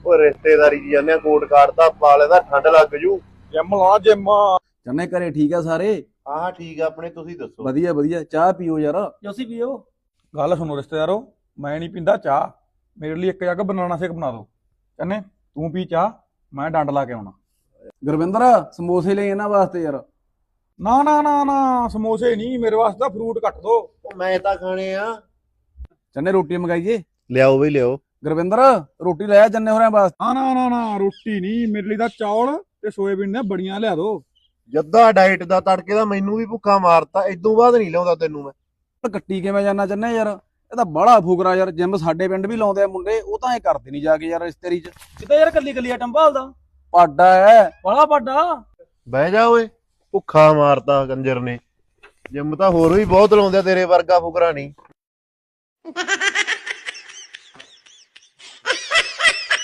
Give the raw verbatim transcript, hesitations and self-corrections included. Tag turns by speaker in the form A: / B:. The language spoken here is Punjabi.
A: ਉਹ ਰਿਸ਼ਤੇਦਾਰੀ ਜੀ ਜਾਂਦੇ ਆ, ਕੋਟ ਕਾਟਦਾ ਪਾ ਲੈਦਾ, ਠੰਡ ਲੱਗ ਜੂ।
B: ਜਿਮ ਲਾ ਜਿਮ।
C: ਚੰਨੇ ਘਰੇ ਠੀਕ ਆ ਸਾਰੇ?
A: ਹਾਂ ਠੀਕ ਆ, ਆਪਣੇ ਤੁਸੀਂ ਦੱਸੋ।
C: ਵਧੀਆ ਵਧੀਆ। ਚਾਹ ਪੀਓ ਯਾਰ।
D: ਜੋਸੀ ਪੀਓ।
B: ਗੱਲ ਸੁਣੋ ਰਿਸ਼ਤੇਦਾਰੋ, ਮੈਂ ਨਹੀਂ ਪੀਂਦਾ ਚਾਹ। ਮੇਰੇ ਲਈ ਇੱਕ ਜੱਗ ਬਨਾਨਾ ਸ਼ੇਕ ਬਣਾ ਦਿਓ। ਚੰਨੇ ਤੂੰ ਪੀ ਚਾਹ, ਮੈਂ ਡੰਡ ਲਾ ਕੇ ਆਉਣਾ।
C: ਗੁਰਵਿੰਦਰ ਸਮੋਸੇ ਲਈ ਇਹਨਾਂ ਵਾਸਤੇ ਯਾਰ।
B: ਨਾ ਨਾ ਨਾ ਨਾ, ਸਮੋਸੇ ਨਹੀਂ, ਮੇਰੇ ਵਾਸਤੇ ਤਾਂ ਫਰੂਟ ਕੱਟ ਦੋ।
A: ਉਹ ਮੈਂ ਤਾਂ ਖਾਣੇ ਆ।
C: ਚੰਨੇ ਰੋਟੀ ਮੰਗਾਈਏ?
A: ਲਿਆਓ ਬਈ ਲਿਆਓ।
C: ਗੁਰਵਿੰਦਰ ਰੋਟੀ ਲੈ ਆ ਚੰਨੇ ਹੋਰਾਂ ਵਾਸਤੇ।
B: ਨਾ ਨਾ ਨਾ ਨਾ, ਰੋਟੀ ਨਹੀਂ, ਮੇਰੇ ਲਈ ਤਾਂ ਚੌਲ ਤੇ ਸੋਇਆਬੀਨ ਦੀਆਂ ਬੜੀਆਂ ਲਿਆ ਦੋ।
A: ਜੱਦਾ ਡਾਈਟ ਦਾ ਤੜਕੇ ਦਾ ਮੈਨੂੰ ਵੀ ਭੁੱਖਾ ਮਾਰਤਾ, ਇਦੋਂ ਬਾਅਦ ਨਹੀਂ ਲਿਆਉਂਦਾ ਤੈਨੂੰ ਮੈਂ।
C: ਕੱਟੀ ਕਿਵੇਂ ਜਾਣਾ ਚੰਨੇ ਯਾਰ? ਇਹ ਤਾਂ ਬੜਾ ਫੁਕਰਾ ਯਾਰ। ਜਿਮ ਸਾਡੇ ਪਿੰਡ ਵੀ ਲਾਉਂਦੇ ਆ ਮੁੰਡੇ, ਉਹ ਤਾਂ ਐ ਕਰਦੇ ਨਹੀਂ ਜਾ ਕੇ ਯਾਰ ਰਿਸ਼ਤੇਰੀ ਚ।
D: ਕਿਤੇ ਯਾਰ ਕੱਲੀ ਕੱਲੀ ਆਟਮ ਭਾਲਦਾ
C: ਪਾਡਾ ਹੈ
D: ਬੜਾ ਵੱਡਾ।
A: ਬਹਿ ਜਾ ਓਏ, ਭੁੱਖਾ ਮਾਰਤਾ ਕੰਜਰ ਨੇ। ਜਿੰਮ ਤਾਂ ਹੋਰ ਵੀ ਬਹੁਤ ਲਾਉਂਦੇ ਆ, ਤੇਰੇ ਵਰਗਾ ਫੁਕਰਾ ਨਹੀਂ।